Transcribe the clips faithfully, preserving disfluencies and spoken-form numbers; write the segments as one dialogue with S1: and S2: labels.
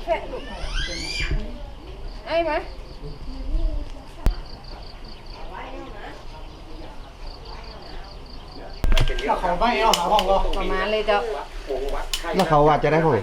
S1: แพะลูกไอ้ไหม
S2: แล้วเขาไม่เอาหาห้องก็
S1: ประมาณเลยเจ้า
S3: แล้วเขาว่าจะได้ห้อง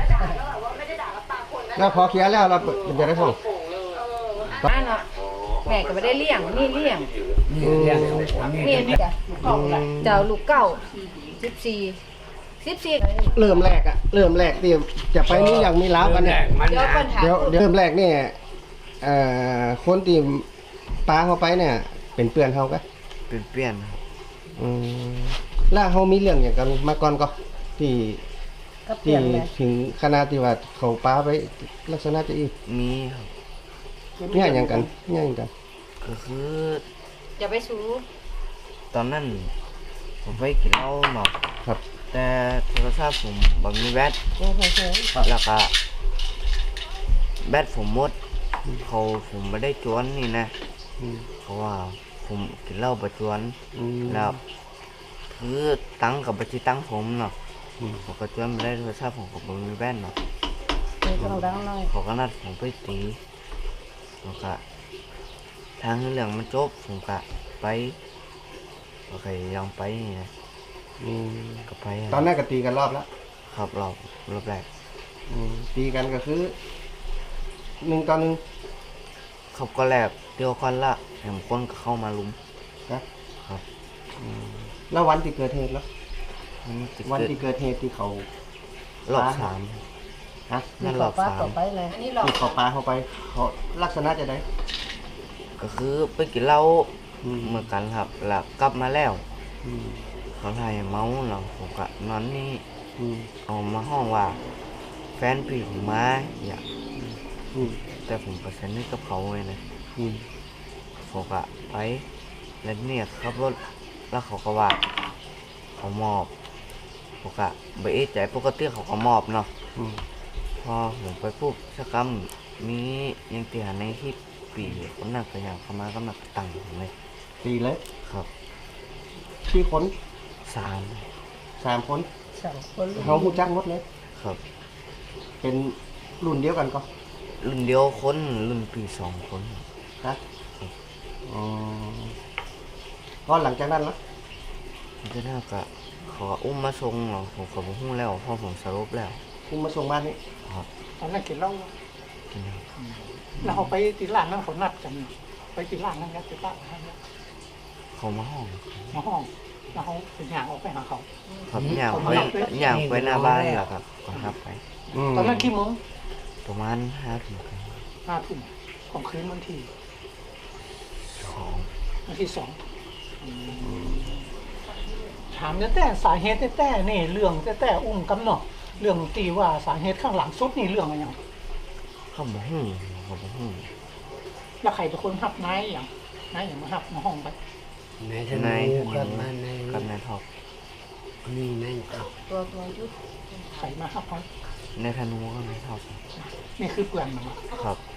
S3: แล้วพอเคลียร์แล้วเราจะได้ห้อง
S1: บ้านเนาะแม่ก็ไม่ได้เลี้ยงนี่เลี้ยง
S2: นี่เรียนนี่
S1: นี่จ้ะเจ้าลูกเก้าสิบสี่สิบสี่
S3: เริ่มแรกอะเริ่มแรกที่จะไปนี่อย่างมีล้าวกันเนี่ย
S1: เดี๋ยวปัญหา
S3: เดี๋ยวเริ่มแรกเนี่ยเอ่อคนที่ปลาเขาไปเนี่ยเป็นเพื่อนเขาก็
S4: เป็นเปลี่ยนครับ
S3: อืมแล้วเขามีเรื่องอย่างกันมาก่อนก็ที่
S1: ก็เปลี่
S3: ที่
S1: ยนเลย
S3: ถึงขนาดที่ว่าเขาปลาไปลักษณะจะอีก
S4: มีครับ
S3: เนี่ยอย่างกันเนี่ยอย่างกัน
S4: ก็คือ
S1: อย่าไปสู้
S4: ตอนนั้นผมไปกินเหล้าเนาะ
S3: ครับ
S4: แต่โทรศัพท์ผมบังมีแบต
S1: โอ้โห
S4: แล้วก็แบตผมหมดเขาผมไม่ได้จวนนี่นะ
S3: อืม
S4: เพราะว่าผมกินเหล้าประจวน
S3: อืม
S4: แล้วคือตังค์กับบัญชีตังค์ผมเนาะ
S3: อืม
S4: ผมก็จวนไม่ได้โทรศัพท์ผมก็บังมีแบตเนาะ
S1: ต้องดังหน่อย
S4: เขาก็นัดผมไปตีแล้วก็ทางเรื่องมันจบผมก็ไปโอเคยังไปนี่นะ
S3: อืม
S4: ก็ไป
S3: ตอนนั้นก็ตีกันรอบแล้ว
S4: ครับรอบรอบแรก
S3: อืมตีกันก็คือหนึ่งต่อหนึ่ง
S4: เขาก็แลกเดียวกันละแถมคนก็เข้ามาลุม
S3: นะครับ อืมแล้ววันที่เกิดเหตุแล้ว
S4: มันจะ
S3: วัน
S4: เกิด
S3: ที่เกิดเหตุที่เขา
S4: รอบสาม
S3: ฮะ
S4: นั่นรอบสาม
S1: ต่อไปเลยอันนี้หลอก
S3: ที่เขาปลาเข้าไปเขาลักษณะจะได้
S4: ก็คือไปกินเหล้า
S3: อืม
S4: เหมือนกันครับแล้วกลับมาแล้ว
S3: อืม
S4: เขาทายเมาเนาะผมก็นอนนี่
S3: อืม
S4: เอามาห้องว่า แฟนพี่ผมมาอยาก
S3: อืม
S4: แต่ผมก็สนิทกับเขาไงนะ
S3: อืม
S4: ผมก็ไปแล้วเนี่ยขับรถแล้วเขาก็ว่าเขามอบผมก็ไปเอะใจปกติเขาก็มอบเนาะ
S3: อืม
S4: พอผมไปปุ๊บสักคำมียังตีหันในที่ปีคนนั้นก็อย่างเข้ามาก็มาตั้งผมเลย
S3: ตีเลย
S4: ครับ
S3: ที่คน
S4: สาม
S3: สามคน
S1: สองคน
S3: เขาหูจักหมดเลย
S4: ครับ
S3: เป็นรุ่นเดียวกันก็
S4: รุ่นเดียวคนรุ่นปีสองคน
S3: นะอ๋อก็หลังจากนั้นละ
S4: ก็น่าก็เขาก็อุ้มมาส่งเนาะผมก็บอกหุ้แล้วเพราะผมสรุปแล้ว
S3: คุณมาส่งบ้านนี้
S4: ครับ
S2: ตอนนั้นกินเหล้า
S4: กินแล้ว
S2: แล้วเขาไปตีร้านนั้นเขานัดกัน ไปตีร้านนั้นนะตีร้านนั้นนะ
S4: เขามาห้อง
S2: มาห้องแล้วเขาเป็นอย่างออกไปหาเขา
S4: ครับย่างไปย่างไปหน้าบ้านแล้วครับก็ครับไป
S2: ตอนนั้นกี่โมง
S4: ประมาณห้าถึง
S2: ห้าทุ่มของคืนวันที่
S4: สอง
S2: วันที่สองถามแต่แต่สาเหตุแต่แต่นี่เรื่องแต่แต่อุ้มกำเนาะเรื่องตีว่าสาเหตุข้างหลังสุดนี่เรื่องอะไรอย่าง
S4: เขาบอกหุ้เขาบอกหุ้
S2: แล้วใครเป็นคนหับนายอย่างนายอย่างมาหับมาห้องไป
S5: นายธ
S4: นาย
S5: นูกับมานาย
S4: กับนายทอก
S5: นี่นายกับ
S1: ตัวตัวยุด
S2: ใครมาหับเขา
S4: นายธนูกับนายทอก
S2: นี่คือเปลือนมันอะ
S4: ครับ